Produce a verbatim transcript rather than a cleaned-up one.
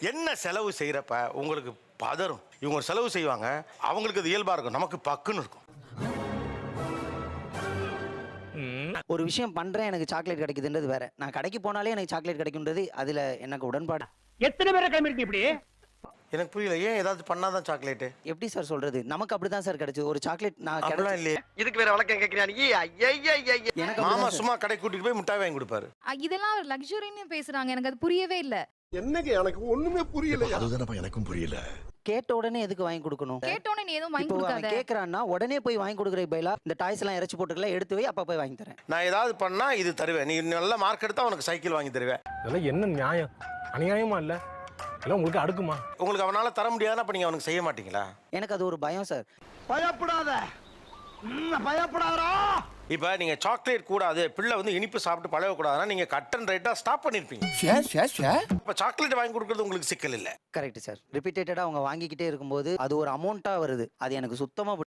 என்ன செலவு செய்யறப்ப உங்களுக்கு பதறும். இவங்க ஒரு செலவு செய்வாங்க, அவங்களுக்கு அது இயல்பா இருக்கும், நமக்கு பக்குன்னு இருக்கும். ஒரு விஷயம் பண்றேன் எனக்கு சாக்லேட் கிடைக்குதுன்றது வேற. நான் கடைக்கு போனாலே எனக்கு சாக்லேட் கிடைக்கும்ன்றது அதுல எனக்கு உடன்பாடு. எத்தனை பேரை கிளம்பிருக்கு இப்படி? எனக்கு புரியல, ஏன் ஏதாவது பண்ணாதான் சாக்லேட்? எப்படி சார் சொல்றது? நமக்கு அப்படிதான் சார் கிடைச்சது. ஒரு சாக்லேட் நான் அப்படிலாம் இல்லையே. இதுக்கு வேற வழக்கம் கேக்குறியா நீ? எனக்கு மாமா அப்படிதான் சும்மா கடை கூட்டிட்டு போய் மிட்டாய் வாங்கி கொடுப்பாரு. அ, இதெல்லாம் ஒரு லக்ஸுரின்னு பேசுறாங்க. எனக்கு அது புரியவே இல்ல. என்னங்க எனக்கு ஒண்ணுமே புரியல. அதுதானப்பா எனக்கும் புரியல. கேட்ட உடனே எதுக்கு வாங்கி கொடுக்கணும்? கேட்டோனே நீ எதுவும் வாங்கி இப்போ அவன் கொடுக்காத. கேக்குறான்னா உடனே போய் வாங்கி கொடுக்குற பைலா இந்த டாய்ஸ் எல்லாம் இறச்சி போட்டுக்கலாம் எடுத்து வை, அப்பா போய் வாங்கி தரேன். நான் ஏதாவது பண்ணா இது தருவேன், நீ நல்ல மார்க் எடுத்தா உனக்கு சைக்கிள் வாங்கி தருவேன். இதெல்லாம் என்ன நியாயம்? அநியாயமா இல்ல? எல்லாம் உங்களுக்கு அடுக்குமா? உங்களுக்கு அவனால தர முடியாதுன்னா அப்ப நீங்க அவனுக்கு செய்ய மாட்டீங்களா? எனக்கு அது ஒரு பயம் சார். பயப்படாத, பயப்படாதா. இப்ப நீங்க சாக்லேட் கூடாது, பிள்ளை வந்து இனிப்பு சாப்பிட்டு பழகக்கூடாதுன்னா நீங்க கட் அண்ட் ரைட்டா ஸ்டாப் பண்ணிருப்பீங்க. இப்ப சாக்லேட் வாங்கி கொடுக்கறது உங்களுக்கு சிக்கல் இல்ல. Correct sir. ரிப்பீட்டடா அவங்க வாங்கிக்கிட்டே இருக்கும்போது அது ஒரு அமௌண்ட்டா வருது. அது எனக்கு சுத்தமா